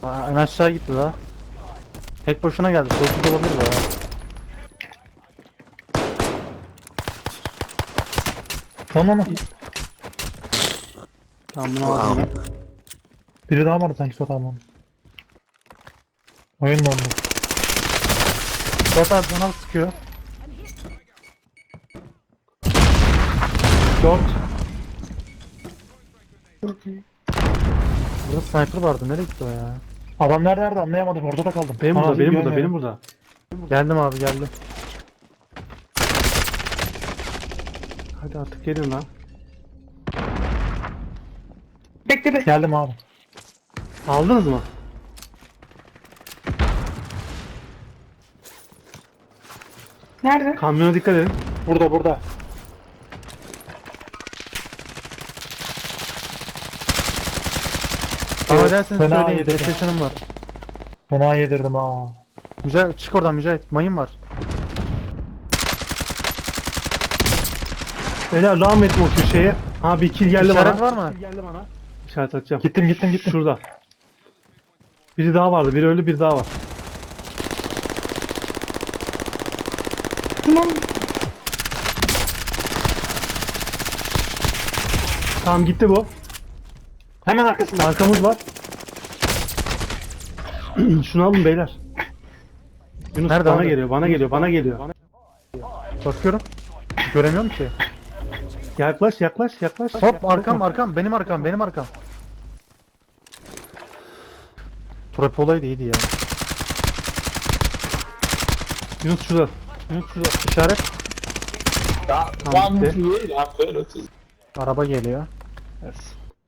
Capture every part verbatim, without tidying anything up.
Aa, en aşağı gitti daha. Tek boşuna geldi. Solsuz olabilir bu ya. Tamam mı? Tamam bunu aldım ben. Biri daha vardı sanki Sotan. Oyun dondu. Suat abi bana sıkıyor. Dört. Burada sniper vardı. Nereye gitti o ya? Adamlar nerede anlayamadım. Orada da kaldım. Benim burada, Anasını benim burada, görmüyorum. benim burada. Geldim abi geldim. Hadi artık gelin lan. Bekle be. Geldim abi. Aldınız mı? Nerede? Kamyona dikkat edin. Burada burada. Ama Evet, derseniz fena söyleyeyim. yedirdim. PlayStation'ım var. Fena yedirdim ha. Mücahit çık oradan Mücahit. Mayın var. Beyler devam etme o köşeye. Ha bir kill geldi İşaret bana. var mı? İşaret atacağım. Gittim gittim gittim. Şurada. Biri daha vardı. Biri öldü, biri daha var. Tamam. Tamam gitti bu. Hemen arkasında. Arkamız var. Şunu alın beyler. Yunus Nerede bana abi? geliyor, bana geliyor, bana geliyor. Bakıyorum. Göremiyorum ki. Yaklaş, yaklaş, yaklaş. Hop arkam arkam. Benim arkam. Benim arkam. Trap olaydı iyiydi ya. Yunus şurada. Yunus şurada. İşaret. Tamam gitti. Araba geliyor. Evet.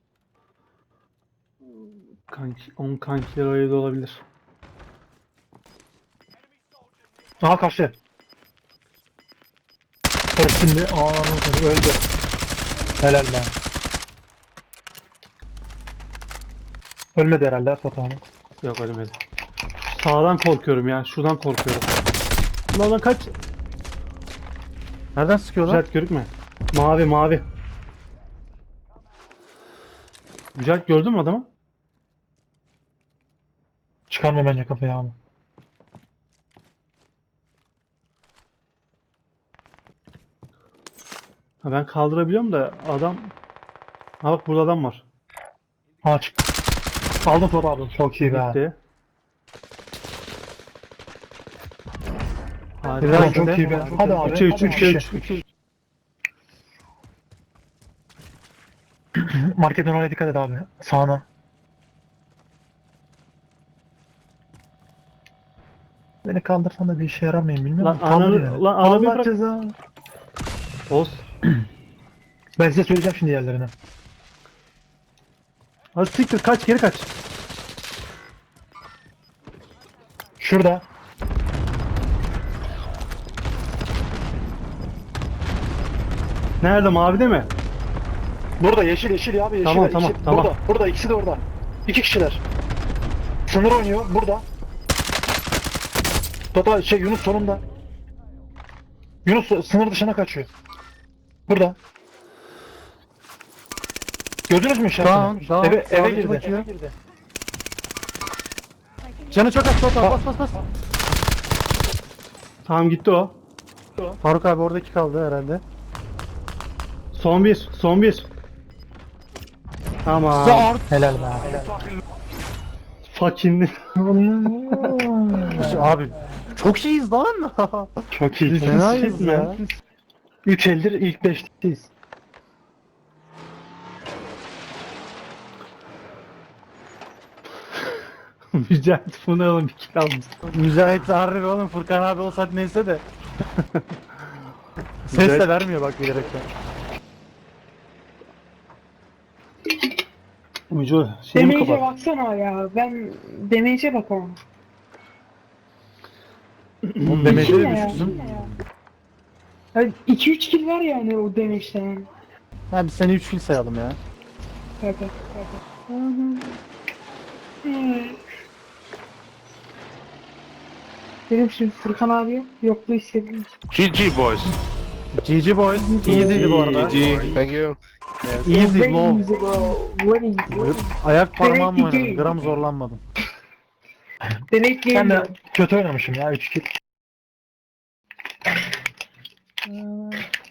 Kanki, on kankiler öyle de olabilir. Aha kaçtı. Evet şimdi aa öldü. Helal lan. Ölmedi herhalde Sotan. Yok ölmedi. Sağdan korkuyorum ya, şuradan korkuyorum. Lan lan kaç. Nereden sıkıyorlar? Mücahit görükme. Mavi mavi. Mücahit gördün mü adamı? Çıkarma bence kafayı abi. Ha, ben kaldırabiliyorum da adam... Ha bak burada adam var. Ha çık. Aldım Sotan abi. Çok iyi be. Gitti. Ulan Harika. çok iyi be. Hadi abi. üçe üç, hadi üçe abi. üç, üçe üç. Marketin oraya dikkat et abi. Sağına. Beni kaldırsan da bir işe yaramayın bilmiyorum. Lan Kaldır ananı- yani. lan ananı Allah bırak. ceza. Oz. Ben size söyleyeceğim şimdi yerlerini. Hadi siktir kaç, geri kaç. Şurada. Nerede, mavide mi? Burada yeşil yeşil ya abi yeşil. Tamam, yeşil. tamam, tamam. Burada. Burada ikisi de orada. İki kişiler. Sınır oynuyor burada. Total şey Yunus sonunda. Yunus sınır dışına kaçıyor. Burada. Gördünüz mü işaretini? Tamam, tamam. Eve, eve Sağdaki girdi. bakıyor. Canı çok az Suat abi. Bas bas bas. Tamam gitti o. Faruk abi oradaki kaldı herhalde. Son bir, son bir. Tamam. Zart. Helal be. Fucking. Abi çok iyiyiz lan. Çok iyi. Fenayız ya. Üç eldir ilk beşteyiz. Mücahit bunu alın bir kill almış. Mücahit harbi oğlum Furkan abi olsaydı neyse de. Ses de Mücahit- vermiyor bak bilerekten. Müco şeyi mi Damage'e kapat? baksana ya. Ben damage'e bakamam. Oğlum demeci de Ne ya? düşürsün. iki üç kill var yani o damage'den. Ha biz seni üç kill sayalım ya. Tabii. Tabii. Hmm. Benim şimdi Furkan abi yokluğu hissediyorum. G G boys. G G boys. Easy'di bu arada. G G. Thank you. Easy Very low. easy bro. Very easy. Ayak parmağımla Very oynadım. easy. Gram zorlanmadım. Deneyip Ben de geliyorum. kötü oynamışım ya üç kill.